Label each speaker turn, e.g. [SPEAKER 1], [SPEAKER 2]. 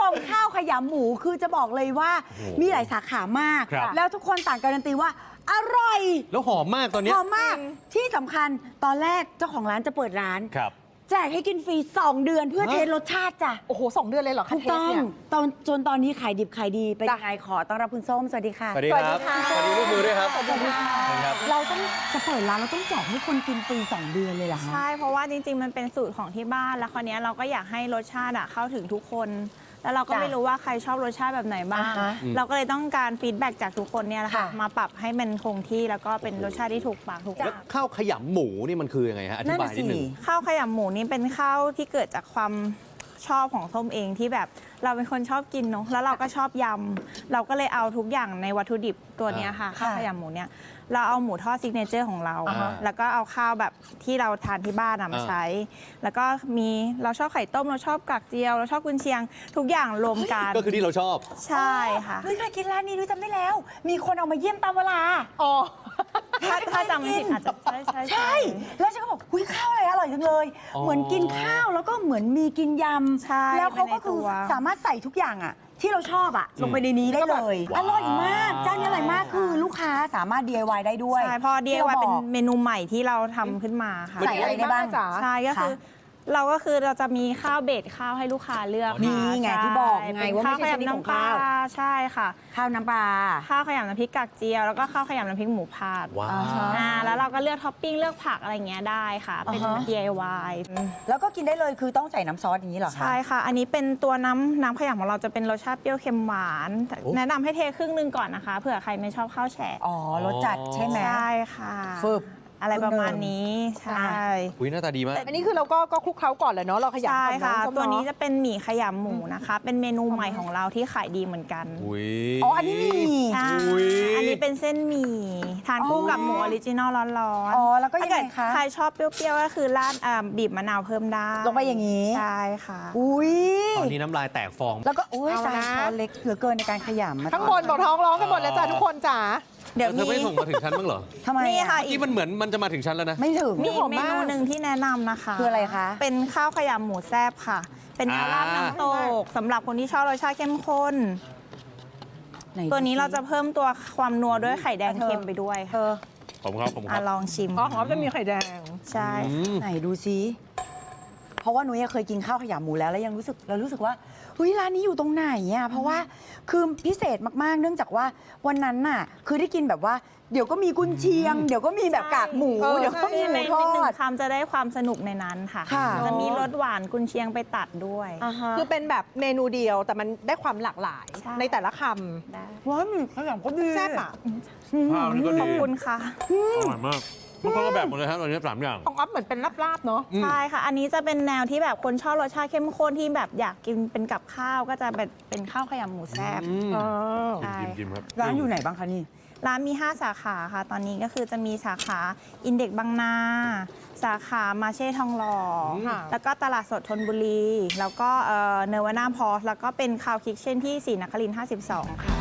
[SPEAKER 1] มข้าวขยำหมูคือจะบอกเลยว่ามีหลายสาขามาก แล้วทุกคนต่างการันตีว่าอร่อย
[SPEAKER 2] แล้วหอมมากตอนนี้
[SPEAKER 1] หอมมากที่สำคัญตอนแรกเจ้าของร้านจะเปิดร้านแจกให้กินฟรี2 เดือนเพื่อเทสรสชาติจ้ะ
[SPEAKER 3] โอ้โห2 เดือนเลยเหรอคะ
[SPEAKER 1] ถูกต้องจนตอนนี้ขายดิบขายดีเป็นยังไงขอต้อนรับคุณส้มสวัสดีค่ะ
[SPEAKER 2] สวัสดีครับสวัสดีลูกมือด้วยครับ
[SPEAKER 1] สวัสดีค่ะเราต้องจะเปิดร้านเราต้องแจกให้คนกินฟรี2 เดือนเลยเหรอคะ
[SPEAKER 4] ใช่เพราะว่าจริงๆมันเป็นสูตรของที่บ้านแล้วคราวนี้เราก็อยากให้รสชาติเข้าถึงทุกคนแล้วเราก็ไม่รู้ว่าใครชอบรสชาติแบบไหนบ้างเราก็เลยต้องการฟีดแบ็กจากทุกคนเนี่ยแหละค่ะมาปรับให้มันคงที่แล้วก็เป็นรสชาติที่ถูกปากถูกใจ
[SPEAKER 2] ข้าวขยำหมูนี่มันคือยังไงฮะอธิบายนิดนึง
[SPEAKER 4] ข้าวขยำหมูนี่เป็นข้าวที่เกิดจากความชอบของส้มเองที่แบบเราเป็นคนชอบกินเนาะแล้วเราก็ชอบยำเราก็เลยเอาทุกอย่างในวัตถุดิบตัวนี้ค่ะข้าวขยำหมูเนี่ยเราเอาหมูทอดซิกเนเจอร์ของเราแล้วก็เอาข้าวแบบที่เราทานที่บ้านมาใช้แล้วก็มีเราชอบไข่ต้มเราชอบกากเจียวเราชอบกุนเชียงทุกอย่างรวมกัน
[SPEAKER 2] ก็คือที่เราชอบ
[SPEAKER 4] ใช่ค่ะ
[SPEAKER 1] เฮ้ยเคยกินร้านนี้ด้วยจำได้แล้วมีคนเอามาเยี่ยมตามเวลา
[SPEAKER 3] อ๋อ
[SPEAKER 4] ถ้าจำไม่ผิดอาจจะ
[SPEAKER 1] ใช่แล้วฉันก็บอกอุ้ยข้าวอะไรอร่อยจังเลยเหมือนกินข้าวแล้วก็เหมือนมีกินยำแล้วเขาก็คือสามารถใส่ทุกอย่างที่เราชอบลงไปในนี้ได้เลยอร่อยมากเจ้านี้อร่อยมากคือลูกค้าสามารถ DIY ได้ด้วย
[SPEAKER 4] ใช่พอ DIY เป็นเมนูใหม่ที่เราทำขึ้นมาค่ะ
[SPEAKER 1] ใส่อะไรได้บ้าง
[SPEAKER 4] ใช่ก็คือเราจะมีข้าวเบสข้าวให้ลูกค้าเลือก
[SPEAKER 1] นี่ไงที่บอกไงว่า
[SPEAKER 4] ไม่ใช่ชนิดของข้าวใช่ค่ะ
[SPEAKER 1] ข้าวน้ำปลา
[SPEAKER 4] ข้าวขยำน้ำพริกกากเจียวแล้วก็ข้าวขยำน้ำพริกหมูผัดแล้วเราก็เลือกท็อปปิ้งเลือกผักอะไรเงี้ยได้ค่ะเป็น DIY
[SPEAKER 1] แล้วก็กินได้เลยคือต้องใส่น้ำซอสอย่างนี้เหรอคะ
[SPEAKER 4] ใช่ค่ะอันนี้เป็นตัวน้ำขยำของเราจะเป็นรสชาติเปรี้ยวเค็มหวานแนะนำให้เทครึ่งนึงก่อนนะคะเผื่อใครไม่ชอบข้าวแฉะ
[SPEAKER 1] รสจัดใช่ไหม
[SPEAKER 4] ใช่ค่ะ
[SPEAKER 1] ฟึบ
[SPEAKER 4] อะไรประมาณนี้ใช่
[SPEAKER 2] อุ้ยหน้าตาดีมาก
[SPEAKER 3] อันนี้คือเราก็คลุกเคล้าก่อนเลยเนาะเราขยำก่อน
[SPEAKER 4] ใช่ค่ะตัวนี้จะเป็นหมี่ขยำหมูนะคะเป็นเมนูใหม่ของเราที่ขายดีเหมือนกัน
[SPEAKER 1] อันนี้มี
[SPEAKER 4] อันนี้เป็นเส้นหมี่ทานคู่กับหมูออริจินอลร้อน
[SPEAKER 1] ๆแล้วก็ยังไงคะ
[SPEAKER 4] ใครชอบเปรี้ยวๆก็คือราดบีบมะนาวเพิ่มได้
[SPEAKER 1] ลงไปอย่างนี้
[SPEAKER 4] ใช่ค่ะ
[SPEAKER 2] ตอนนี้น้ำลายแตกฟอง
[SPEAKER 1] แล้วก็จานช้อนเล็กเหลือเกินในการขยำ
[SPEAKER 3] ทั้งบนบอกท้องร้องกันหมดแล้วจ้ะทุกคนจ๋า
[SPEAKER 2] เดี๋ยวเธอไม่ส่งมาถึงฉันบ้างเหรอ
[SPEAKER 1] ทำไม
[SPEAKER 4] นี่ค่ะ
[SPEAKER 2] ที่มันเหมือนมันจะมาถึงฉันแล้วนะ
[SPEAKER 1] ไม่ถึง
[SPEAKER 4] มีเมนูหนึ่งที่แนะนำนะคะ
[SPEAKER 1] คืออะไรคะ
[SPEAKER 4] เป็นข้าวขยำหมูแซ่บค่ะเป็นแนวราดน้ำตกสำหรับคนที่ชอบรสชาติเข้มข้นตัวนี้เราจะเพิ่มตัวความนัวด้วยไข่แดงเค็มไปด้วย
[SPEAKER 2] ผมครับ
[SPEAKER 4] ลองชิม
[SPEAKER 3] หอมจะมีไข่แดง
[SPEAKER 4] ใช่
[SPEAKER 1] ไหนดูซิเพราะว่านุ้ยเคยกินข้าวขยำหมูแล้วยังรู้สึกว่าเฮ้ยร้านนี้อยู่ตรงไหนเพราะว่าคือพิเศษมากๆเนื่องจากว่าวันนั้นน่ะคือได้กินแบบว่าเดี๋ยวก็มีกุนเชียงเดี๋ยวก็มีแบบกากหมูเดี๋ยวก็มีหมูทอด
[SPEAKER 4] คำจะได้ความสนุกในนั้นค่ะจะมีรสหวานกุนเชียงไปตัดด้วย
[SPEAKER 3] คือเป็นแบบเมนูเดียวแต่มันได้ความหลากหลายในแต่ละค
[SPEAKER 1] ำว้าวขยำก็ดี
[SPEAKER 3] แซ่บ
[SPEAKER 2] ข้าวนี่ก็ดี
[SPEAKER 4] ขอบคุณค่ะ
[SPEAKER 2] อร่อยมากมันก็แบบหมดเลยครับตอนนี้3 อย่าง
[SPEAKER 3] ของอ๊อฟเหมือนเป็นลาบๆเนาะ
[SPEAKER 4] ใช่ค่ะอันนี้จะเป็นแนวที่แบบคนชอบรสชาติเข้มข้นที่แบบอยากกินเป็นกับข้าวก็จะเป็นข้าวขยำหมูแซ่บ
[SPEAKER 2] จิ้มครับ
[SPEAKER 1] ร้านอยู่ไหนบ้างคะนี่
[SPEAKER 4] ร้านมี5 สาขาค่ะตอนนี้ก็คือจะมีสาขาอินเด็กบางนาสาขามาเช่ทองหล่อแล้วก็ตลาดสดธนบุรีแล้วก็เนวาน่าพอสแล้วก็เป็นคาวคิกเช่นที่ศรีนครินทร์52ค่ะ